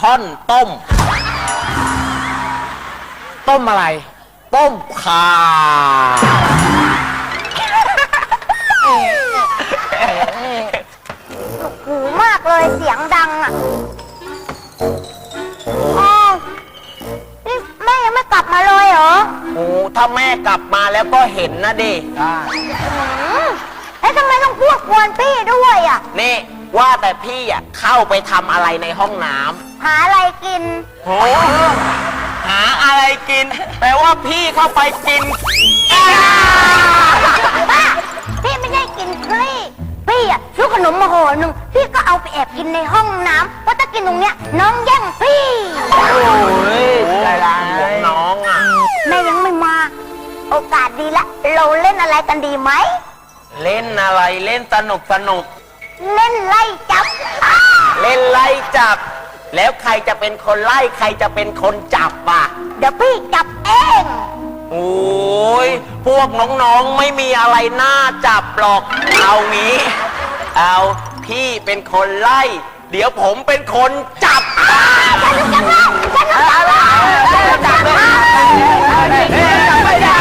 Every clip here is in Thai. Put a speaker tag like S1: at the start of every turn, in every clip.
S1: ท่อนต้ม
S2: ต้มอะไร
S1: ต้มข่า
S3: หูมากเลยเสียงดังอ่ะอ้าวนี่แม่ยังไม่กลับมาเลยเหรอ
S1: โอ้ถ้าแม่กลับมาแล้วก็เห็นนะดิ
S3: แล้วทำไมต้องพูดกวนพี่ด้วยอ่ะ
S1: นี่ว่าแต่พี่อ่ะเข้าไปทำอะไรในห้องน้
S3: หาอะไรกิน
S1: ำโอ้หาอะไรกิน แปลว่าพี่เข้าไปกิน
S3: บ้าพี่ไม่ได้กินคลี่พี่อ่ะซื้อขนมมาห่อหนึ่งพี่ก็เอาไปแอบกินในห้องน้ำเพราะถ้ากินตรงเนี้ยน้องแย่งพี่
S1: โอ้ยใจร้ายของน้องอ่ะ
S3: แม่ยังไม่มา โอกาสดีละเราเล่นอะไรกันดีไหม
S1: เล่นอะไรเล่นสนุก
S3: เล่นไล่จับ
S1: เล่นไล่จับ แล้วใครจะเป็นคนไล่ใครจะเป็นคนจับอ่ะ
S3: เดี๋ยวพี่จับเอง
S1: โอ้ยพวกน้องๆไม่มีอะไรน่าจับหรอก เอางี้ เอาพี่เป็นคนไล่ เดี๋ยวผมเป็นคนจับ
S3: ฉันจับแล้วฉันจับแล้ว
S1: จับเลยจับไม่ได้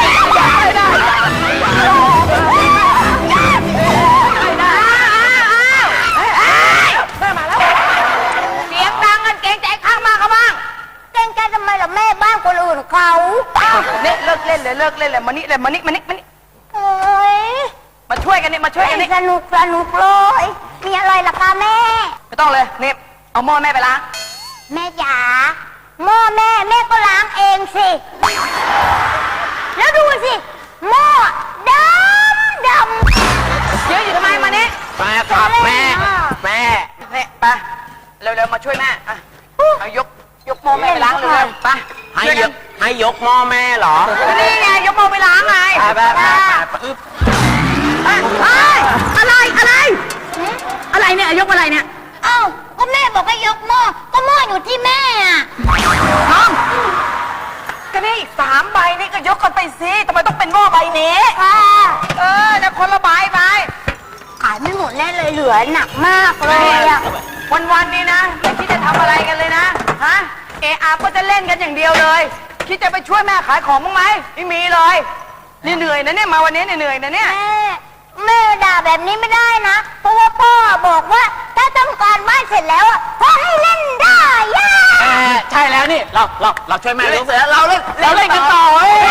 S3: เสียงดังกันเกรงใจข้างมากเขาบ้างเกรงใจทำไมล่ะแม่บ้านคนอื่นเขา
S4: เนี่ยเลิกเล่นเลยเลิกเล่นเลยมานี่เลยมานี่
S3: เอ้ย
S4: มาช่วยกันนี่มาช่วยกันนี่
S3: สนุกเลยมีอะไรล่ะคะแม่
S4: ไม่ต้องเลยนี่เอาหม้อแม่ไปล้าง
S3: แม่จ๋าหม้อแม่ก็ล้างเองสิ แล้วดูสิหม้อดำ
S4: เยอะอยู่ทำไมมานี่
S1: แม่ครับแม่
S4: เนี่ยไปเร็วๆมาช่วยแม่อ่ะเอายกหม้อแม่ไปล้างเร็วๆไป
S1: ให้ยกหม้อแม่เหรอ
S4: นี่ไงยกหม้อไปล้างไง
S1: ไปอึ๊บ
S5: อะไรเนี่ยยกอะไรเนี่ย
S3: เอ้าก็แม่บอกให้ยกหม้อก็หม้ออยู่ที่แม่อะ
S4: ก็นี่อีก3 ใบนี่ก็ยกกันไปสิทำไมต้องเป็นหม้อใบนี้
S3: ค่ะ
S4: นะคนละใบไป
S3: ขายไม่หมดแน่เลยเหลือหนักมากเลยอะ
S4: วันๆนี้นะไม่คิดจะทำอะไรกันเลยนะฮะเออาก็จะเล่นกันอย่างเดียวเลย คิดจะไปช่วยแม่ขายของบ้างไหมไม่มีเลยนี่เหนื่อยนะเนี่ยมาวันนี้เหนื่อยนะเนี่ย
S3: แม่ด่าแบบนี้ไม่ได้นะ เพราะว่าพ่อบอกว่าถ้าทำการบ้านเสร็จแล้วอะพ่อให้เล่นได้ย่า
S2: ใช่แล้วนี่เราช่วยแม่
S1: เล่
S2: เล่
S1: น
S2: น
S1: เสร็จแล้วเราเล่นกันต่อ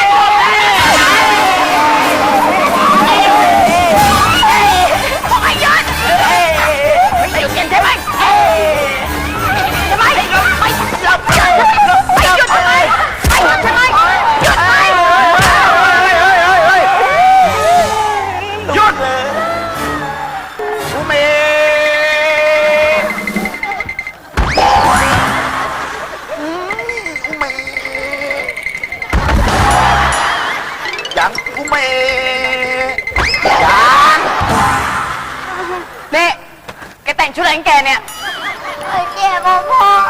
S3: บอกให้หยุดไม่หยุดใช่ไหมใช่ไหมไม่หยุดไม่หยุดใช่ไหมไม่หยุดใช่ไหมหยุดไหม
S1: หยุดเลยกูเมยังกูเมยัง
S4: นี่แกแต่งชุดอะไรของแกเนี่ย
S3: เจ็บพ่อ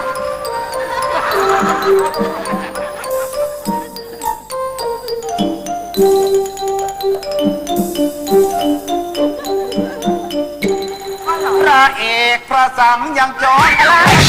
S1: พระเอกพระสังยังจอนอะไร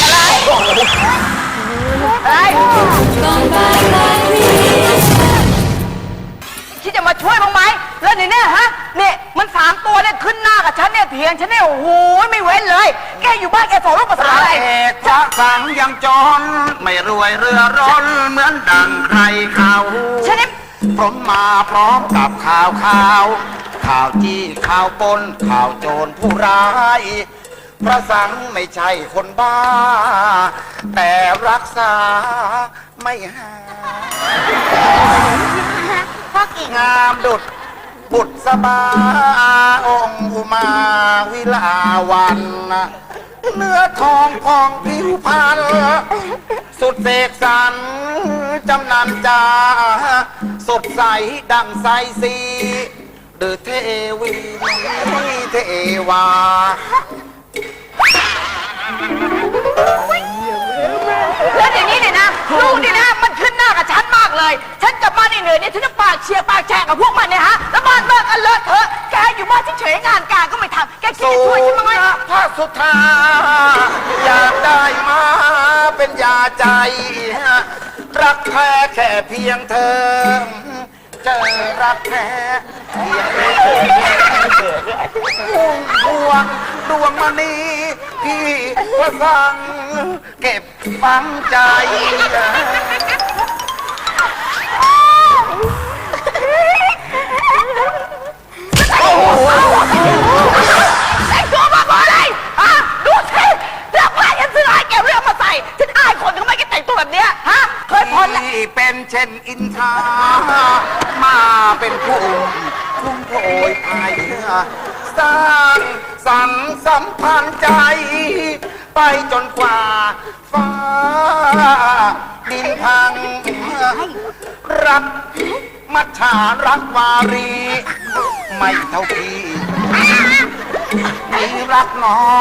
S4: คิดจะมาช่วยบ้างไหมแล้วเนี่ยฮะเนี่ยมัน3 ตัวเนี่ยขึ้นหน้ากับฉันเนี่ยเถียงฉันเนี่ยโอ้โหไม่เว้นเลย แกอยู่บ้านแกสอนลูกภาษาอะไร
S1: พระเอกพระสังยังจอนไม่รวยเรือร้อนเหมือนดังใครเขา
S4: ฉันนี่
S1: ผมมาพร้อมกับข่าวข่าวจี้ข่าวปนข่าวโจรผู้ร้าย พระสังไม่ใช่คนบ้า แต่รักษาไม่หาย
S3: พ่อกิ่ง
S1: งามดุดบุตรสบาองค์อุมาวิลาวันเนื้อทองพองผิวพรรณสุดเสกสรรจำนันจาสดใสดังใสสีหรือเทวีเทวา
S4: แล้วอย่างนี้เนี่ยนะลูกนี่นะมันขึ้นหน้ากับฉันมากเลย ฉันกลับมานี่เหนื่อยเนี่ยฉันจะปากเชียร์ปากแฉกกับพวกมันเนี่ยฮะแล้วบ้านเลิกกันเลอะเถอะแกอยู่บ้านเฉยๆงานการก็ไม่ทำแกคิดจะช่วยฉันบ้างไหม
S6: พระสุธาอยากได้มาเป็นยาใจ รักแท้แค่เพียงเธอ เจอรักแท้เพียงเธอพวงดวงมณีพี่ก็สั่งเก็บฝังใจ
S4: แต่งตัวมาเพราะอะไรฮะดูสิเสื้อผ้าฉันซื้อให้แกเรื่องมาใส่ฉันอายคนทำไมแกแต่งตัวแบบเนี้ยฮะเคยพ้นแล้ว
S6: ที่เป็นเช่นอินทรามาเป็นผู้คุ้มโผยภายเนื้อสร้างสรรค์สัมพันธ์ใจ ไปจนกว่าฟ้าดินพัง รักมัจฉารักวารี ไม่เท่าพี่มีรักน้อง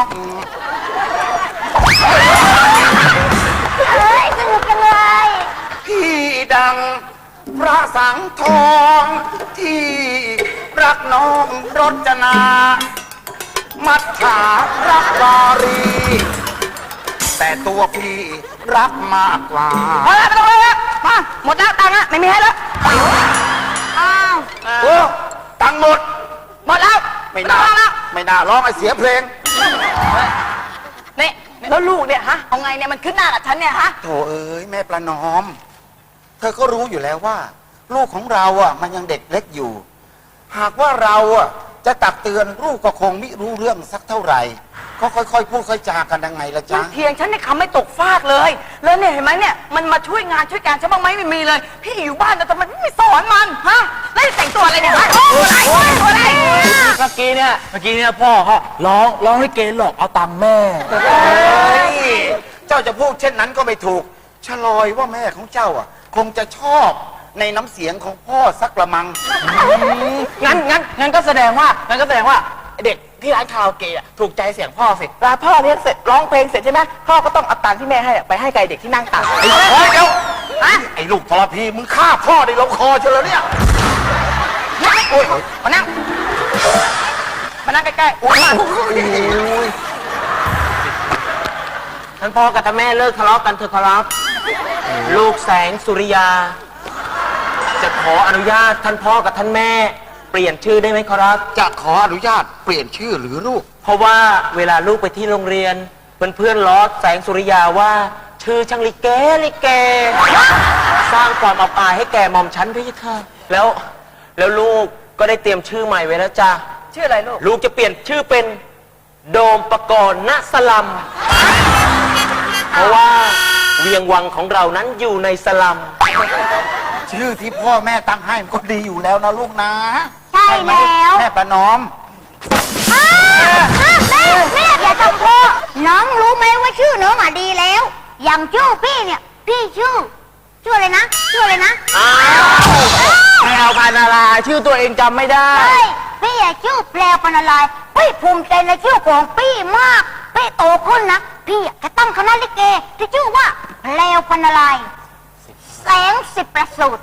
S3: เฮ้ยสนุกจังเลย
S6: พี่ดังพระสังทอง ที่รักน้องรจนา มัจฉารักวารี แต่ตัวพี่รักมากกว่า
S4: พอแล้วไม่ต้องเลยแล้วมาหมดแล้วตังค์อะไม่มีให้แล้วอ้าว
S6: โอ้ตังค์หมด
S4: หมดแล้ว
S6: ไม่น่า
S4: ต้องแล้ว
S6: ไม่น่าร้องไอเสียเพลง
S4: นี่แล้วลูกเนี่ยฮะเอาไงเนี่ยมันขึ้นหน้ากับฉันเนี่ยฮะ
S6: โถเอ้ยแม่ประนอม เธอก็รู้อยู่แล้วว่า ลูกของเราอ่ะมันยังเด็กเล็กอยู่ หากว่าเราอ่ะจะตักเตือนลูกก็คงไม่รู้เรื่องสักเท่าไหร่ก็ค่อยๆพูดค่อยจากันยังไงละ
S4: มั
S6: จ๊ะ
S4: นเถียงฉันเนี่ยคำไม่ตกฟากเลย แล้วเนี่ยเห็นไหมเนี่ยมันมาช่วยงานช่วยการฉันบ้างไหมไม่มีเลย พี่อยู่บ้านแต่ทำไมไม่สอนมันฮะแล้วแต่งตัวอะไรเนี่ยฮะอะไรตัวอะไร
S2: เมื่อกี้เนี่ยพ่อเขาร้องให้เกหลอกเอาตังค์แม่
S6: เฮ้ยเจ้าจะพูดเช่นนั้นก็ไม่ถูกชะลอยว่าแม่ของเจ้าอ่ะ คงจะชอบในน้ำเสียงของพ่อสักละมัง
S2: งั้นก็แสดงว่าเด็กที่ร้านคาราโอเกะอะถูกใจเสียงพ่อสิร้านพ่อเลี้ยงเสร็จร้องเพลงเสร็จใช่ไหมพ่อก็ต้องเอาตังค์ที่แม่ให้อะไปให้ไกลเด็กที่นั่งตัก
S6: ไอ้เฮ้ยเดี๋ยวไอ้ลูกทรพีมึงฆ่าพ่อในลำคอเชียวเหรอเนี่ย
S4: โอ้ยมานั่งใกล้ๆโอ้ย
S1: ท่านพ่อกับท่านแม่เลิกทะเลาะกันเถอะครับ ลูกแสงสุริยา จะขออนุญาตท่านพ่อกับท่านแม่ เปลี่ยนชื่อได้ไหมครับ
S6: จะขออนุญาตเปลี่ยนชื่อหรือลูก
S1: เพราะว่าเวลาลูกไปที่โรงเรียน เพื่อนๆล้อแสงสุริยาว่า ชื่อช่างลิเก สร้างความอับอายให้แก่หม่อมชั้นพี่ค่ะแล้วลูกก็ได้เตรียมชื่อใหม่ไว้แล้วจ้ะ
S4: ชื่ออะไรลูก
S1: ลูกจะเปลี่ยนชื่อเป็นโดมปกรณ์ณสลัม เพราะว่าเวียงวังของเรานั้นอยู่ในสลัม
S6: ชื่อที่พ่อแม่ตั้งให้มันก็ดีอยู่แล้วนะลูกนะ
S3: ใช่แล้ว
S6: แม่ประนอม
S3: แม่อย่าทำพ่อน้องรู้ไหมว่าชื่อน้องอ่ะดีแล้ว อย่างชื่อพี่เนี่ย พี่ชื่ออะไรนะ
S2: แมวพันธุ์อะไรชื่อตัวเองจำไม่ได้
S3: เฮ้ยพี่อะชื่อแปลพันธุ์อะไรพี่ภูมิใจในชื่อของพี่มากพี่โตขึ้นนะพี่อะจะตั้งคณะลิเกที่ชื่อว่าแปลพันธุ์อะไรแสงสิบประสูตร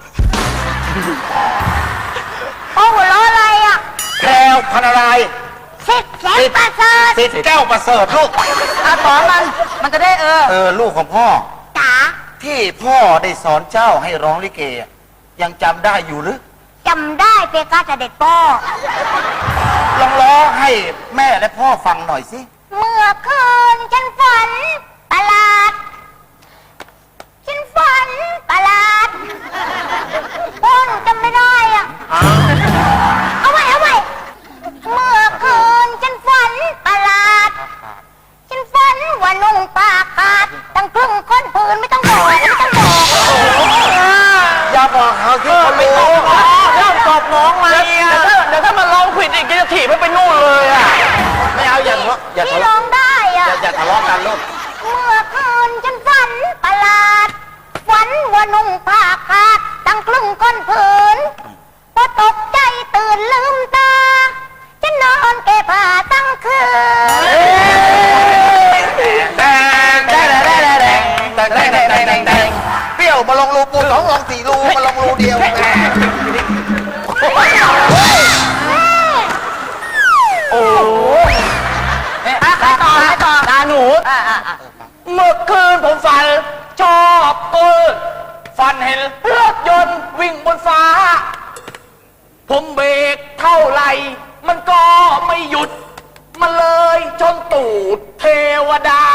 S3: โอ้หัวเราะอะไรอ่ะ
S6: แพรวพันอะไร
S3: สิบแสงประเสริฐ
S6: สิทธิ์แก้วประเสริฐลูก
S4: อาสอนมันจะได้
S6: ลูกของพ่อ
S3: จ๋า
S6: ที่พ่อได้สอนเจ้าให้ร้องลิเกอะยังจำได้อยู่หรือ
S3: จำได้เพคะเสด็จพ่อ
S6: ลองร้องให้แม่และพ่อฟังหน่อยสิ
S3: เมื่อคืนฉันฝันประหลาด ฉันฝันประหลาดโอ้หนูจำไม่ได้อ่ะ เอาไว้เมื่อคืนฉันฝันประหลาด ฉันฝันว่านุ่งผ้าขาดตั้งครึ่งก้นผืนไม่ต้องบอก
S6: อย่าบอกเขาที่เขาไม่ต้อง
S2: เริ่มตอบน้องมาเดี๋ยวถ้ามันร้องผิดอีกจะถีบไปนู่นเลยอ่ะ
S6: ไม่เอาอย่าทะเลาะอย่า
S3: พี่
S6: ทะ
S3: ร้
S6: เลาะ
S3: องได้อ่ะ
S6: อย่าทะเลาะกันลูก
S3: เมื่อคืนฉันฝันประหลาด ฝันว่านุ่งผ้าขาดตั้งครึ่งก้นผืนพอตกใจตื่นลืมตา ฉันนอนแก้ผ้าตั้งคืน
S6: แดงเปรี้ยวมาลงรูปูสองลง4รูมาลงรูเดียวแหม
S4: ใครต่อตาหนู
S2: เมื่อคืนผมฝันชอบฝันเห็นรถยนต์วิ่งบนฟ้า ผมเบรกเท่าไหร่ มันก็ไม่หยุด มันเลยชนตูดเทวดา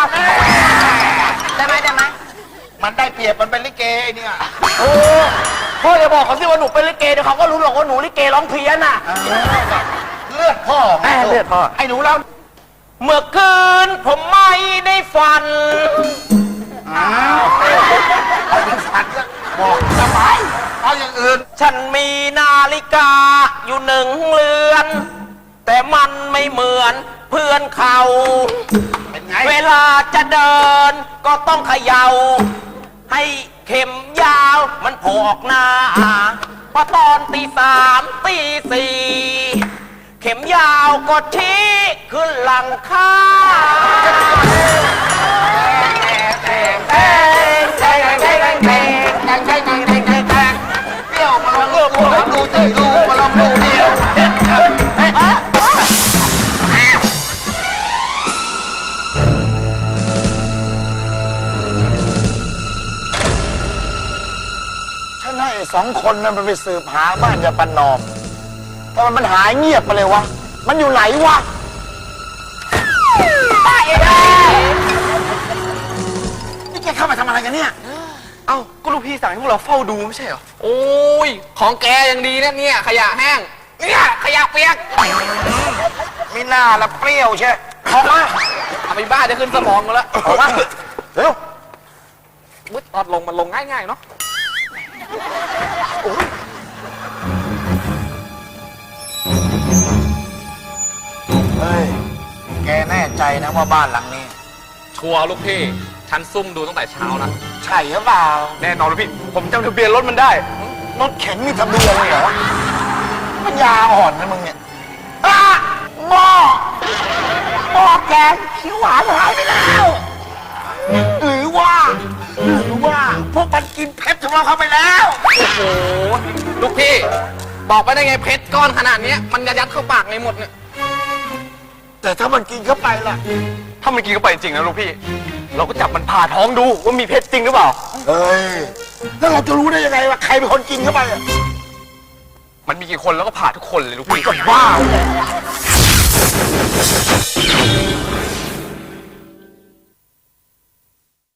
S4: ได้ไหม
S6: มันได้เปรียบมันเป็นลิเกไอ้เนี่ย
S2: โอ้พ่ออย่าบอกเขาสิว่าหนูเป็นลิเกเดี๋ยวเขาก็รู้หรอกว่าหนูลิเกร้องเพี้ยนอ่ะ
S6: เลือดพ่อไง
S2: เลือดพ่อ
S6: ไอ้หนูเรา
S1: เมื่อคืนผมไม่ได้ฝัน
S6: เอาอย่างสัตว์บอกทำไมเอาอย่างอื่น
S1: ฉันมีนาฬิกาอยู่1 เรือน แต่มันไม่เหมือนเพื่อนเขา
S6: เป็นไง
S1: เวลาจะเดินก็ต้องเขย่า ให้เข็มยาวมันโผล่ออกหน้าพอตอนตี 3 ตี 4 เข็มยาวก็ชี้ขึ้นหลังคา
S6: เปรี้ยวมาลงรูปูสองรู4รูมาลงรูเดียวฉันให้2 คนนั้นมันไปสืบหาบ้านยาปันนอมทำไมมันหายเงียบไปเลยวะ มันอยู่ไหนวะ นี่แกเข้ามาทำอะไรกันเนี่ย
S2: เอ้าก็ลูกพี่สั่งให้พวกเราเฝ้าดูไม่ใช่เหรอ โอ้ย ของแกยังดีนะเนี่ย ขยะแห้ง เนี่ยขยะเปียก
S6: มีหน้าละเปรี้ยวใช่ออกมา
S2: เอาไปบ้าจะขึ้นสมองกันแล้ว
S6: ออกมาเร็ว
S2: มุดตอดลงมันลงง่ายๆเนาะ
S6: เฮ้ย แกแน่ใจนะว่าบ้านหลังนี้
S2: ชัวร์ลูกพี่ ฉันซุ่มดูตั้งแต่เช้านะ
S6: ใช่หรือเปล่า
S2: แน่นอนลูกพี่ ผมจำทะเบียนรถมันได้
S6: รถเข็นมีทะเบียนเลยเหรอมันยาอ่อนนะมึงเนี่ยหม้อแกงเขียวหวานหายไปแล้ว หรือว่าพวกมันกินเพชรของเราเข้าไปแล้ว
S2: โอ้โห ลูกพี่ บอกไปได้ไงเพชรก้อนขนาดเนี้ยมันจะยัดเข้าปากในหมดเนี่ย
S6: แต่ถ้ามันกินเข้าไปล่ะ
S2: ถ้ามันกินเข้าไปจริงนะลูกพี่ เราก็จับมันผ่าท้องดูว่ามีเพชรจริงหรือเปล่า
S6: เฮ้ย แล้วเราจะรู้ได้ยังไงว่าใครเป็นคนกินเข้าไปอะ
S2: มันมีกี่คนแล้วก็ผ่าทุกคนเลยลูกพี่
S6: ก็บ้า